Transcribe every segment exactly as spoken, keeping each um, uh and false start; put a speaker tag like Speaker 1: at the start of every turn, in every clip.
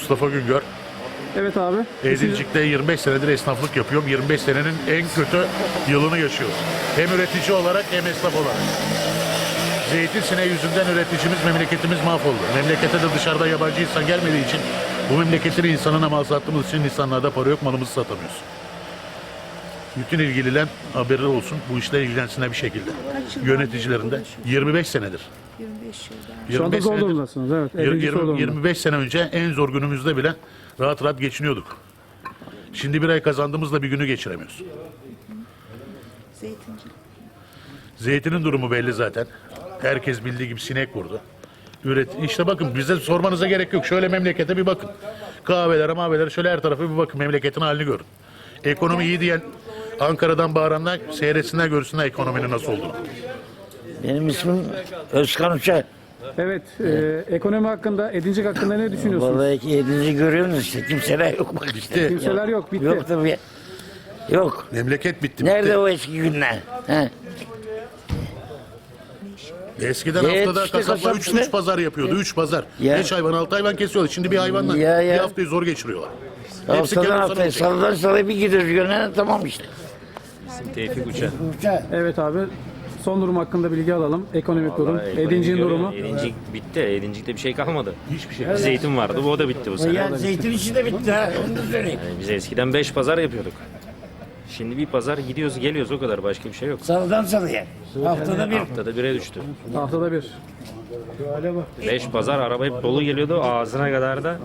Speaker 1: Mustafa Güngör.
Speaker 2: Evet abi.
Speaker 1: Edincik'te yirmi beş senedir esnaflık yapıyorum. yirmi beş senenin en kötü yılını yaşıyoruz. Hem üretici olarak hem esnaf olarak. Zeytin sineği yüzünden üreticimiz, memleketimiz mahvoldu. Memlekete de dışarıda yabancı insan gelmediği için bu memleketin insanına mal sattığımız için insanlarda para yok, malımızı satamıyoruz. Bütün ilgililer haberi olsun, bu işle ilgilensinler bir şekilde. Yöneticilerinde yirmi beş senedir.
Speaker 3: yirmi beş yılda.
Speaker 2: Şu anda
Speaker 1: yirmi beş
Speaker 2: zor
Speaker 1: senedir-
Speaker 2: durumdasınız. Evet.
Speaker 1: yirmi-
Speaker 2: Edincik zor
Speaker 1: yirmi-
Speaker 2: durumda.
Speaker 1: yirmi beş sene önce en zor günümüzde bile rahat rahat geçiniyorduk. Şimdi bir ay kazandığımızla bir günü geçiremiyoruz.
Speaker 3: Zeytinci.
Speaker 1: Zeytinin durumu belli zaten. Herkes bildiği gibi sinek vurdu. Üret işte bakın bize sormanıza gerek yok. Şöyle memlekete bir bakın. Kahvelere, mahvelere şöyle her tarafa bir bakın. Memleketin halini görün. Ekonomi iyi diyen Ankara'dan bağıranlar seyretsinler görsünler ekonominin nasıl olduğunu.
Speaker 4: Benim ismim Özkan Uçar.
Speaker 2: Evet. E, ekonomi hakkında, Edincik hakkında ne düşünüyorsunuz?
Speaker 4: Vallahi edinizi görüyorsunuz işte. Kimseler yok bak işte.
Speaker 1: Bitti.
Speaker 2: Kimseler yok. Bitti.
Speaker 4: Yok tabii. Yok.
Speaker 1: Memleket bitti.
Speaker 4: Nerede
Speaker 1: bitti.
Speaker 4: o eski günler? He?
Speaker 1: Eskiden
Speaker 4: Evet,
Speaker 1: haftada
Speaker 4: işte
Speaker 1: kasaplar
Speaker 4: kasap
Speaker 1: üç
Speaker 4: işte.
Speaker 1: üç pazar yapıyordu. üç pazar.
Speaker 4: Ya.
Speaker 1: beş hayvan altı hayvan kesiyorlar. Şimdi bir hayvanla
Speaker 4: Ya, ya.
Speaker 1: bir haftayı zor geçiriyorlar. Hepsi
Speaker 4: Haftadan
Speaker 1: kenar
Speaker 4: haftaya,
Speaker 1: sana
Speaker 4: salıdan salıya bir gidiyoruz gönlene tamam işte.
Speaker 5: Tevfik Uçar.
Speaker 4: Uçar.
Speaker 2: Evet abi. Son durum hakkında bilgi alalım. Ekonomik durum.
Speaker 5: Vallahi ekonomi
Speaker 2: Edincik'in
Speaker 5: görüyorum.
Speaker 2: durumu.
Speaker 5: Edincik bitti. Edincik'te bir şey kalmadı.
Speaker 1: Hiçbir şey.
Speaker 5: Bir zeytin vardı. O da bitti bu sene.
Speaker 4: Ya zeytin işi de bitti ha. Onu da söyleyeyim.
Speaker 5: Yani biz eskiden beş pazar yapıyorduk. Şimdi bir pazar gidiyoruz geliyoruz o kadar. Başka bir şey yok.
Speaker 4: Salıdan salıya. Haftada bir.
Speaker 5: Haftada bire düştü.
Speaker 2: Haftada bir.
Speaker 5: Beş pazar araba hep dolu geliyordu ağzına kadar da.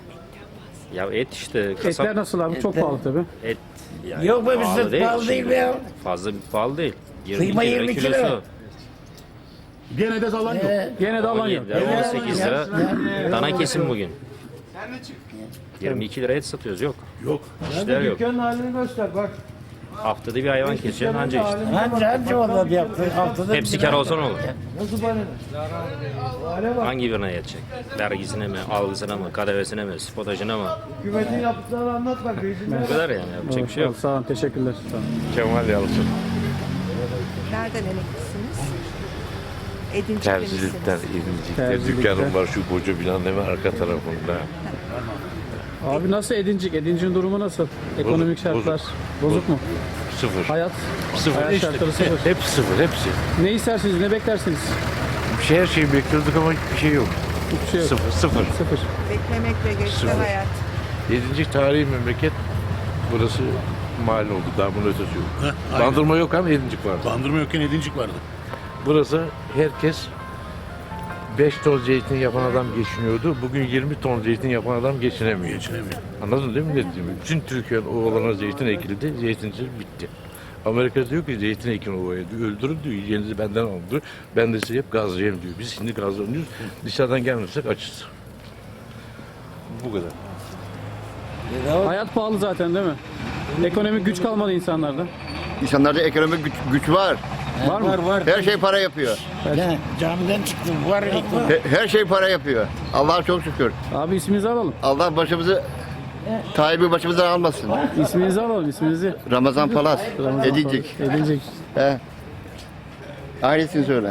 Speaker 5: Ya et işte. Kasap
Speaker 2: Etler nasıl abi? Çok pahalı tabii.
Speaker 5: et. Yani
Speaker 4: Yok be bizde pahalı değil
Speaker 5: şimdi.
Speaker 4: be ya.
Speaker 5: Fazla bir pahalı değil. yirmi
Speaker 4: Kıyma
Speaker 5: lira
Speaker 4: yirmi iki
Speaker 5: kilosu.
Speaker 4: lira.
Speaker 1: Gene de zalan yok.
Speaker 4: Ee,
Speaker 2: Gene de alan
Speaker 5: on
Speaker 2: yok.
Speaker 5: yedi lira, on sekiz lira. Dana kesim bugün. yirmi iki lira et satıyoruz yok.
Speaker 1: Yok.
Speaker 5: İşler yok.
Speaker 6: Dükkanın halini göster bak.
Speaker 5: Haftada bir hayvan keseceksin anca işte.
Speaker 4: Anca anca vallahi bir hafta. Haftada
Speaker 5: Hepsi
Speaker 4: bir
Speaker 5: kar
Speaker 4: hafta.
Speaker 5: olsa ne olur?
Speaker 6: Nasıl bana? Hale bak.
Speaker 5: Hangi birine yetecek? Vergisine mi, algısına mı, K D V'sine mi, spotajına mı?
Speaker 6: Hükümetin yaptıklarını anlat bak. Reisine.
Speaker 5: Bu kadar yani yapacak bir şey yok.
Speaker 2: Sağ olun. Teşekkürler. Sağ olun.
Speaker 7: Kemal Yalçın.
Speaker 3: Nereden emeklisiniz? Edincik'te
Speaker 7: Terzilikten,
Speaker 3: misiniz?
Speaker 7: İdincik'te
Speaker 2: Terzilikte.
Speaker 7: dükkanım var şu koca binanın hemen arka tarafında.
Speaker 2: Abi nasıl Edincik? Edincik'in durumu nasıl? Ekonomik
Speaker 7: Bozuk,
Speaker 2: şartlar.
Speaker 7: bozuk.
Speaker 2: Bozuk mu?
Speaker 7: Sıfır.
Speaker 2: Hayat.
Speaker 7: Sıfır.
Speaker 2: Hayat
Speaker 7: İşte,
Speaker 2: şartları sıfır.
Speaker 7: hep sıfır, hepsi.
Speaker 2: Ne istersiniz? Ne beklersiniz?
Speaker 7: Bir şey, her şeyi bekliyorduk ama hiçbir şey yok.
Speaker 2: Hiçbir şey yok.
Speaker 7: Sıfır, sıfır.
Speaker 2: Sıfır.
Speaker 3: Beklemek ve geçti
Speaker 7: Sıfır.
Speaker 3: hayat.
Speaker 7: Yedincik tarihi memleket burası mahalle oldu. Daha bunun ötesi yok.
Speaker 1: Heh, aynen.
Speaker 7: Bandırma yok ama Yedincik vardı.
Speaker 1: Bandırma yokken edincik vardı.
Speaker 7: Burası herkes beş ton zeytin yapan adam geçiniyordu. Bugün yirmi ton zeytin yapan adam geçinemiyor.
Speaker 1: Geçinemiyor.
Speaker 7: Anladın değil mi ne dediğimi? Bütün Türkiye'nin ovalarına zeytin ekildi, zeytincilik bitti. Amerika diyor ki zeytin ekin ovaya diyor, öldürün diyor, yiyeceğinizi benden alın diyor. Ben de size hep gazlayayım diyor. Biz şimdi gazlanıyoruz, dışarıdan gelmezsek açız. Bu kadar.
Speaker 2: Hayat pahalı zaten değil mi? Ekonomik güç kalmadı insanlarda.
Speaker 8: İnsanlarda ekonomik güç, güç var.
Speaker 2: Var mı?
Speaker 4: Var var.
Speaker 8: Her şey para yapıyor.
Speaker 4: Ya, camiden çıktım. Var ekonomi.
Speaker 8: He- Her şey para yapıyor. Allah'a çok şükür.
Speaker 2: Abi isminizi alalım.
Speaker 8: Allah başımızı Tayyip'i başımızdan almasın.
Speaker 2: İsminizi alalım. İsminizi.
Speaker 8: Ramazan Palas,
Speaker 2: Ramazan
Speaker 8: Edincik.
Speaker 2: Edincik.
Speaker 8: He. Ailesini söyle.